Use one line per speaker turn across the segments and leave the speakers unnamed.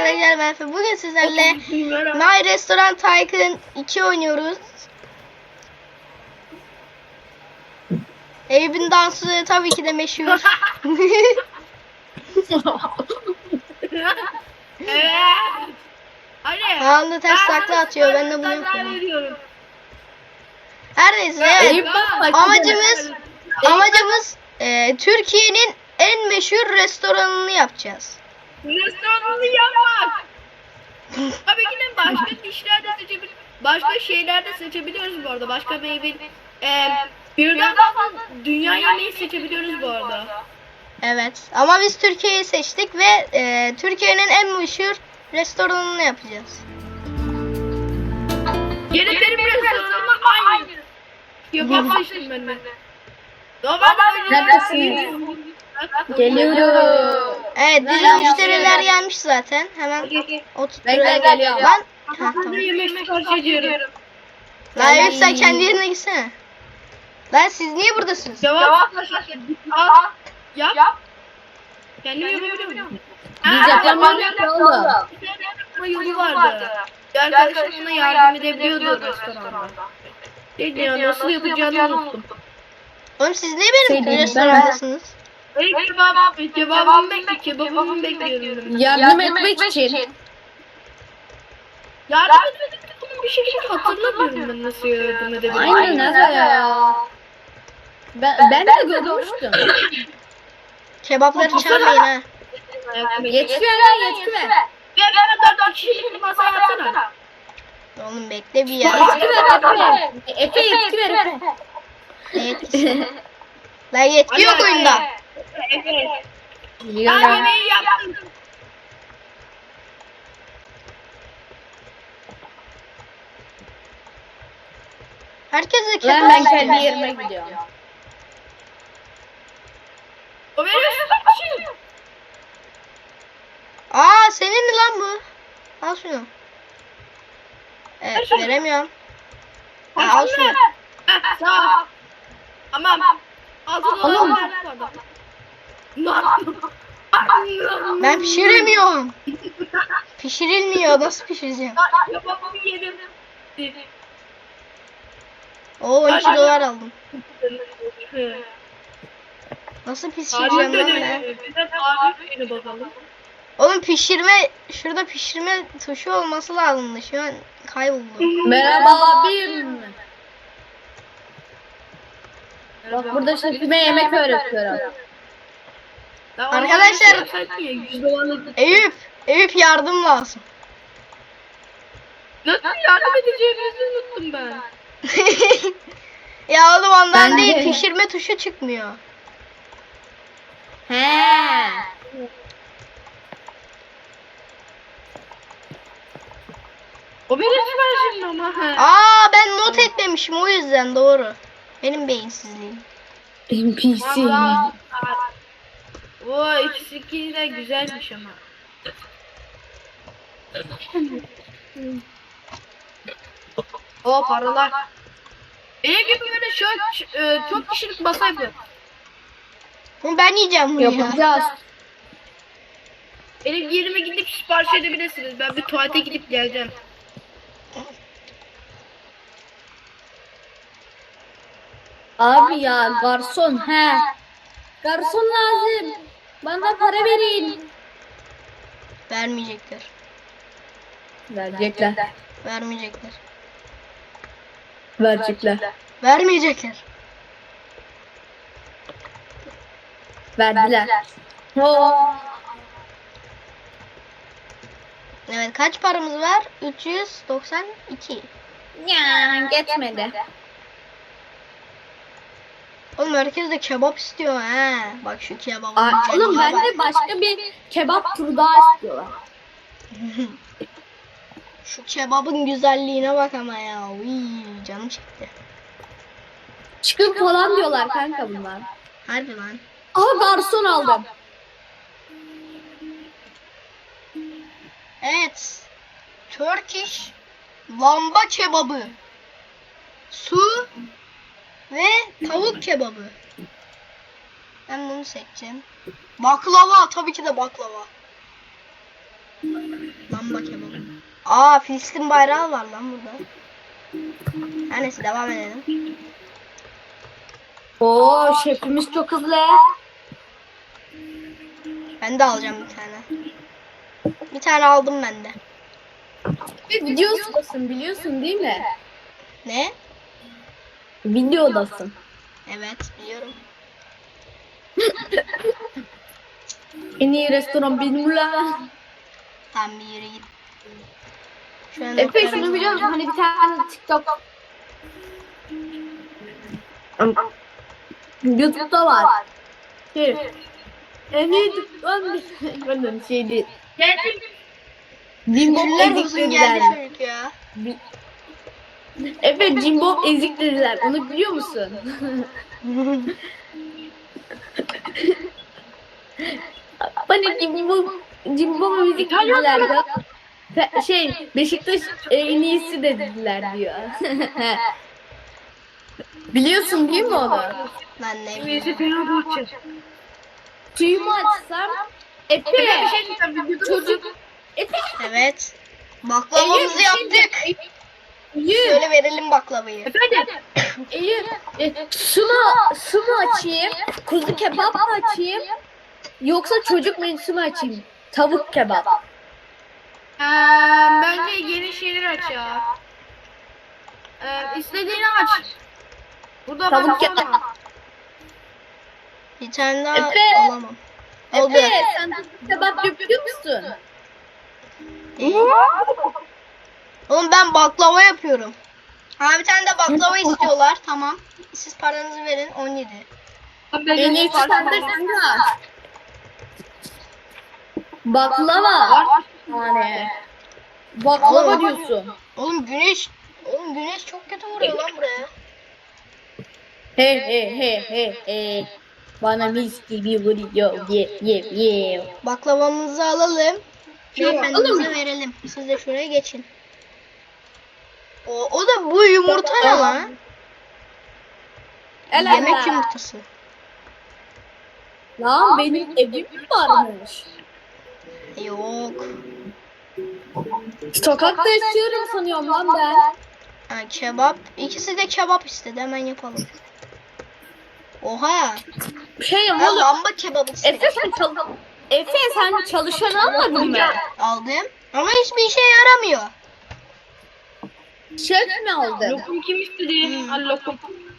arkadaşlar, ben Efe. Bugün sizlerle My Restaurant Tycoon 2 oynuyoruz. Eyüp'ün dansı tabii ki de meşhur. Anında ters takla atıyor, ben de bunu yapıyorum. Her neyse, evet. Amacımız Türkiye'nin en meşhur restoranını yapacağız.
Restoranını yapmak. Tabii ki de başka dişler de seçebiliriz. Başka şeyler de seçebiliyoruz bu arada. Başka meyve, birden fazla dünya yemeği seçebiliyoruz bu arada.
Evet, ama biz Türkiye'yi seçtik ve Türkiye'nin en meşhur restoranını yapacağız.
Yine benim restoranıma aynı. Kebap seçtim ben de.
Neredesin? Geliyorum.
Evet, bizim müşteriler gelmiş zaten. Hemen oturtturaya
geliyorum.
Lan,
Yemek sipariş ediyorum.
lan Eyüp, sen kendi yerine gitsene. Lan siz niye buradasınız?
Cevap al. Yap. Kendim yapabiliyorum.
Biz yapamıyoruz oğlum.
Ama yolu vardı. Arkadaşım ona yardım edebiliyordu restoranda. Nasıl yapacağını unuttum.
Oğlum siz niye benim
Şey,
restorandasınız?
Kebabımı bekliyorum.
Yardım etmek için.
Yardım edemedim. Bir şekilde hatırlamıyorum ben nasıl yardım edebilirim.
Aynen nasıl ya? Ben de görmüştüm.
Kebapları çalmayın ha.
Yetki ver lan, yetki ver.
Ben 4 kişilik masa yapsana.
Oğlum bekle bir ya.
Yetki ver Efe. Efe yetki ver Efe.
Ne yetkisi? Lan yetki yok oyunda.
Evet.
Biliyorum.
Ben yemeği yaptım.
Herkese
Ben
kebap
kendi
istiyor.
yerime gidiyorum.
O benim kişi.
Aa, senin mi lan bu? Al şunu. Evet, veremiyorum. Ha, al şunu.
Sağ ol. Tamam.
Oğlum.
Ben pişiremiyorum. Pişirilmiyor. Nasıl pişireceğim?
Kebabımı yedim.
Oo, 12 dolar aldım. Nasıl pişireceğim lan ben? Oğlum şurada pişirme tuşu olması lazımdı. Şu an kayboldu.
Merhaba abim. Bak burada şefime yemek öğretiyorum.
Arkadaşlar, Eyüp yardım lazım.
Nasıl yardım edeceğimizi unuttum ben.
Ya oğlum ondan
Ben
değil,
de.
pişirme tuşu çıkmıyor.
He.
O benim siparişim ama.
Aa, ben not etmemişim, o yüzden doğru. Benim beyinsizliğim.
NPC.
O ikisi de güzelmiş ama. O paralar. Benim gibi böyle çok kişilik masa yapıyor.
Bunu ben yiyeceğim bunu ya.
Yapacağız.
Benim yerime gidip sipariş edebilirsiniz. Ben bir tuvalete gidip geleceğim.
Abi ya garson he. Garson lazım. Bana para verin.
Vermeyecekler.
Verecekler.
Vermeyecekler.
Verecekler.
Vermeyecekler.
Verdiler. Oo.
Evet, kaç paramız var? 392.
Ya geçmedi.
Oğlum herkes de kebap istiyor ha. Bak şu kebabın
Aa, oğlum
güzelliğine
ben
bak.
de başka bir kebap türü daha istiyorlar.
Şu kebabın güzelliğine bak ama ya. Uy, canım çekti.
Çıkın falan diyorlar kanka bunlar.
Harbi lan.
Aha garson aldım.
Evet. Turkish lamba kebabı. Su ve tavuk kebabı. Ben bunu seçeceğim. Baklava, tabii ki de baklava. Lamba kebabı. Aa, Filistin bayrağı var lan burada. Her neyse, devam edelim.
Oo şefimiz çok hızlı.
Ben de alacağım bir tane. Bir tane aldım ben de.
Videodasın biliyorsun değil mi?
Ne?
Videodasın.
Evet, biliyorum.
En iyi restoran benim la.
Tam bir yere git. Şöyle
Efe
notlarımı
şunu biliyor musun?
alayım.
Hani bir tane TikTok. YouTube'da var. En iyi ben şeydi. Jimbo
Güller
ezik
olsun geldi
dediler.
çocuk ya.
Efe Jimbo ezik dediler. Onu biliyor musun? Bana Jimbo ezik dediler ya. Beşiktaş en iyisi dediler diyor. Biliyorsun değil mi onu?
Ben ne bileyim.
Suyumu açsam Efe çocuk Efe
Evet. Baklavamızı yaptık. Şöyle verelim baklavayı.
Su mu açayım? Kuzu kebap mı açayım? Yoksa çocuk menüsü mü açayım? Tavuk kebap.
Bence yeni şeyler aç ya. İstediğini aç. Burada
Tavuk
bak
kebap.
Bir tane daha
Efe.
alamam. Oldu.
Efe sen tavuk kebap yapıyor musun?
Oğlum ben baklava yapıyorum. Ha, bir tane de baklava istiyorlar. Tamam. Siz paranızı verin. 17.
En iyisi sende Sina. Baklava. Yani. Baklava diyorsun.
Oğlum güneş çok kötü vuruyor lan buraya.
He. Bana mis gibi vuruyor. Ye.
Baklavamızı alalım.
Yok,
Beyefendimize verelim. Siz de şuraya geçin. O da bu yumurta ne lan? Yemek yumurtası.
Lan benim evim mi varmış?
Yok.
Sokakta yaşıyorum sanıyorum lan ben.
Ha, kebap. İkisi de kebap istedi. Hemen yapalım. Oha.
Şey
Ben
oğlum.
lamba kebabı istedim.
Efe sen çalışan almadın mı?
Aldım. Ama hiçbir işe yaramıyor.
Şef mi aldın?
Lokum kim istedi? Al lokum.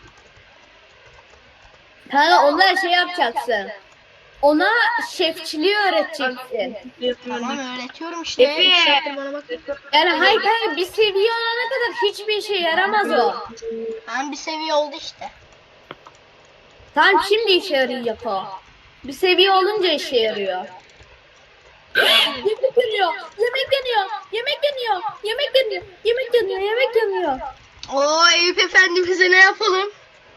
Ha onlar şey yapacaksın. Ona şefçiliği öğreteceksin.
Tamam, öğretiyorum işte.
Efe.
2 saattir bana bak.
Yani hayır bir seviye olana kadar hiçbir işe yaramaz o.
Tamam, bir seviye oldu işte.
Tamam şimdi işe yarayacak o. Bir seviye olunca işe yarıyor. Yemek yanıyor.
Oo, Eyüp efendimize ne yapalım?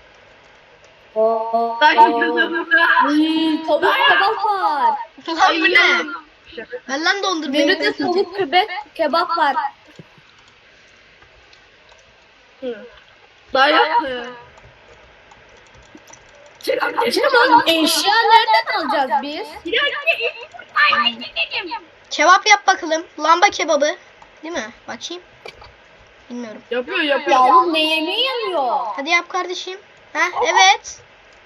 Tavuk kebap var.
Lan bu ne? Ben lan dondurmayı.
Menüde tavuk kebap var.
Dayak.
Canım eşya nereden alacağız biz?
Kebap yap bakalım. Lamba kebabı. Değil mi? Bakayım. Bilmiyorum.
Yapıyor.
Ya oğlum ne yemeği yanıyor?
Hadi yap kardeşim. Ha, evet.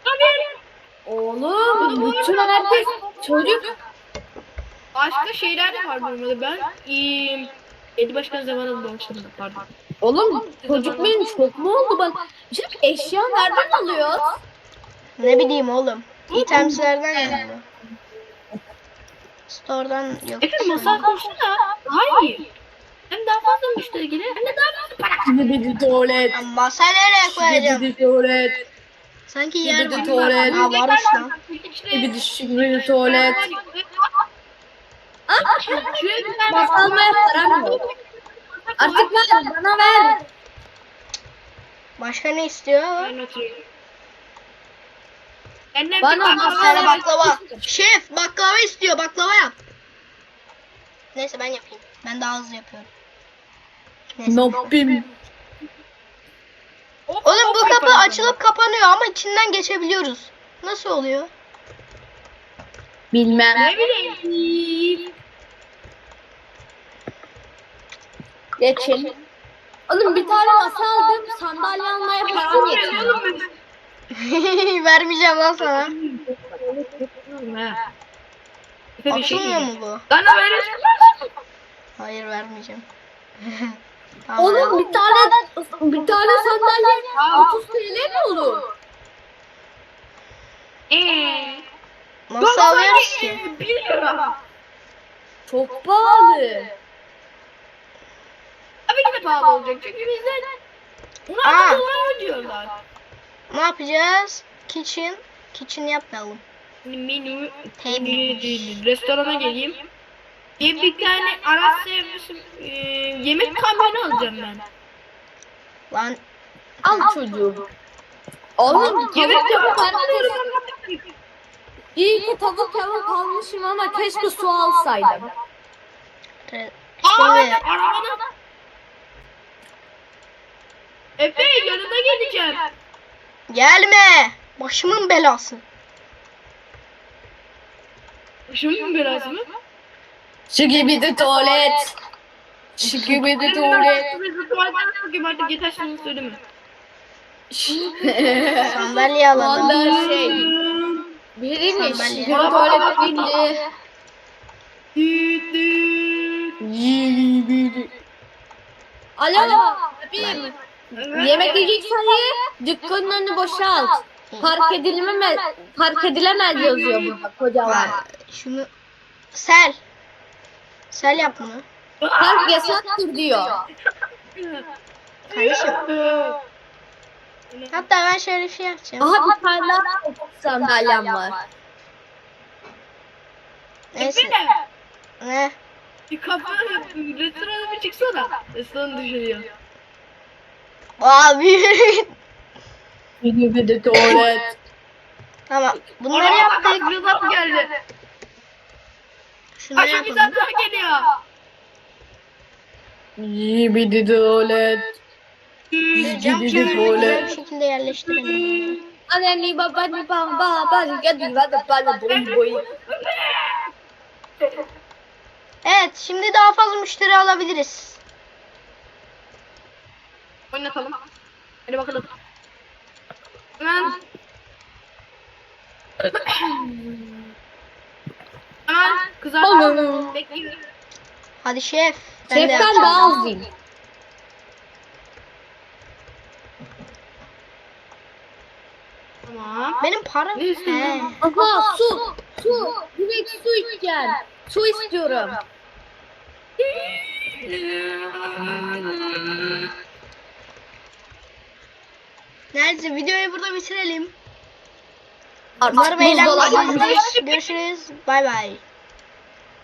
Oğlum bütün herkes çocuk.
Başka şeyler de var normalde. Ben Edi Başkan zamanında başladım. Pardon.
Oğlum çocuk benim çok mu oldu bana? Şimdi eşya nereden alıyoruz?
Ne bileyim oğlum. İtemslerden yazıyor. Store'dan yok.
Efe masa koşsana. Hayır. Hem daha fazla müşteri gelir hem de daha fazla para.
Gidip tuvalet.
Ya masa nereye koyacağım?
Gidip tuvalet.
Sanki yer
Gidip
var.
tuvalet.
Ha, varmış lan.
Gidip tuvalet. Bak almaya param yok. Artık ver bana ver.
Başka ne istiyor?
Bana
Bir tane baklava. Şef baklava istiyor. Baklava yap. Neyse ben yapayım. Ben daha hızlı yapıyorum. Neyse.
Nobbim.
Oğlum bu kapı açılıp kapanıyor ama içinden geçebiliyoruz. Nasıl oluyor?
Bilmem.
Ne bileyim.
Geçin. Oğlum bir tane masa aldım. Sandalye almaya param yetmiyor.
Vermeyeceğim lan sana.
Efe bir şey
Atılmıyor
diyeceğim.
mu bu?
Bana verirsin.
Hayır vermeyeceğim. Tamam.
Oğlum bir tane sandalye 30 TL mi olur?
Nasıl alıyoruz ki?
1 lira.
Çok pahalı.
Tabii ki de pahalı olacak çünkü bizden bunu
Aa.
dolar ödüyorlar.
Ne yapacağız? Kitchen yapmayalım.
Menü
Table.
restorana geleyim. Bir tane araç servisi yemek kamyonu alacağım ben.
Lan
Al çocuğum. Oğlum
Yemek
tavuk kebap
kamyonu.
İyi ki tavuk kebap almışım ama keşke su alsaydım.
Aa,
şimdi
arabada. Efe yanına geleceğim.
gelme. Başımın belası.
Şunun biraz mı?
Şu gibi de tuvalet. Şu gibi de tuvalet.
Artık yeter şunu söyleme.
Sandalye alalım.
Valla şey. Biriymiş.
Sandalye.
Şu tuvalet bindi. Alo abim. Yemek yiyeceksen ye. Dükkanın önünü boşalt. Park edilemez yazıyor burada kocaman.
Lan şunu sel. Sel yap bunu.
Park yasaktır diyor.
Kardeşim. Hatta ben şöyle bir şey yapacağım.
Aha bir tane daha sandalyem var.
Neyse.
Efe
Ne?
bir kapı restorana bir çıksana. Restoran dışarıya.
Abi.
Şu gibi de tuvalet.
Tamam. Bunları yaptık.
Rıza geldi.
Şunları
Aşağı bir
yapalım.
zat daha geliyor.
Gibi de tuvalet.
Cam
Gibi de
kenarına güzel
tuvalet.
bir şekilde yerleştirelim.
Anne baba baba boy boy.
Evet, şimdi daha fazla müşteri alabiliriz.
Oynatalım. Hadi bakalım. Hemen. Hemen kızar.
Oğlum.
Bekliyorum.
Hadi şef. Ben de
Şeften
yapacağım.
daha az değil.
Tamam.
Benim param.
Ne istiyorsun?
He.
Aha su. Su. Direkt su içeceğim. Su istiyorum.
Neyse videoyu burada bitirelim.
Artık
Umarım
buzdolabı-
eğlenmişsinizdir. Görüşürüz. Bay bay.